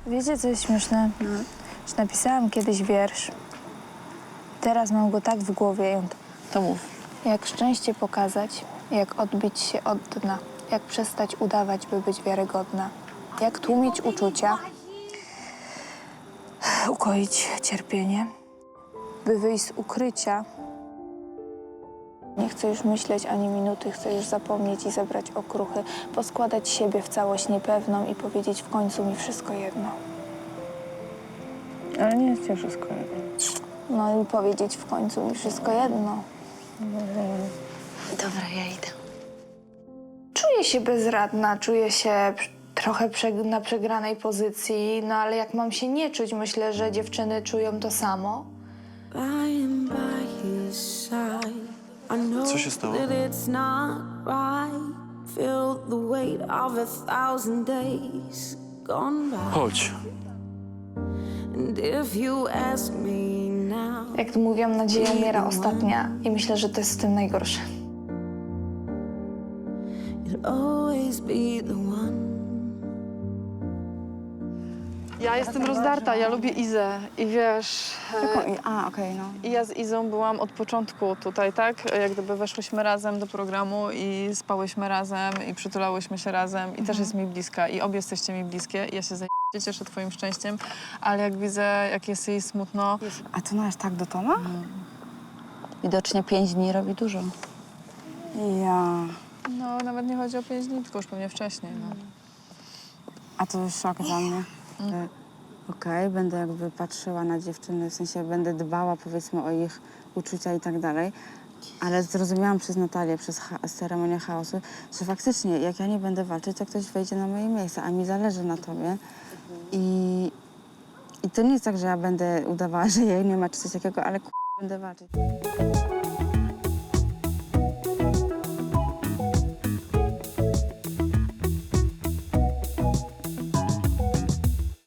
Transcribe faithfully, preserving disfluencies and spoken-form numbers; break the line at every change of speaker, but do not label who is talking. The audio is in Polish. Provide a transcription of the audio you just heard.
Wiecie, co jest śmieszne? No. Że napisałam kiedyś wiersz. Teraz mam go tak w głowie. i on-
To mów.
Jak szczęście pokazać, jak odbić się od dna, jak przestać udawać, by być wiarygodna, jak tłumić uczucia, ukoić cierpienie, by wyjść z ukrycia. Nie chcę już myśleć ani minuty, chcę już zapomnieć i zebrać okruchy, poskładać siebie w całość niepewną i powiedzieć w końcu mi wszystko jedno.
Ale nie jest ci wszystko jedno.
No i powiedzieć w końcu mi wszystko jedno.
Dobra, ja idę.
Czuję się bezradna, czuję się pr- trochę prze- na przegranej pozycji, no ale jak mam się nie czuć, myślę, że dziewczyny czują to samo.
Co się stało? Chodź.
Jak to mówią, nadzieja umiera ostatnia i myślę, że to jest w tym najgorsze.
Ja jestem rozdarta, ja lubię Izę i wiesz...
Jaką i- A, okej, no.
I ja z Izą byłam od początku tutaj, tak? Jak gdyby weszłyśmy razem do programu i spałyśmy razem i przytulałyśmy się razem i też jest mi bliska i obie jesteście mi bliskie. Ja się zajebiście cieszę twoim szczęściem, ale jak widzę, jak jest jej smutno...
A to no aż tak do Toma?
Widocznie pięć dni robi dużo.
Ja...
No, nawet nie chodzi o pięć dni, tylko już pewnie wcześniej, no.
A to jest szok dla mnie. że Okej, będę jakby patrzyła na dziewczyny, w sensie będę dbała powiedzmy o ich uczucia i tak dalej, ale zrozumiałam przez Natalię, przez cha ceremonię chaosu, że faktycznie jak ja nie będę walczyć, to ktoś wejdzie na moje miejsce, a mi zależy na tobie. I, i to nie jest tak, że ja będę udawała, że jej nie ma czy coś takiego, ale k***, będę walczyć.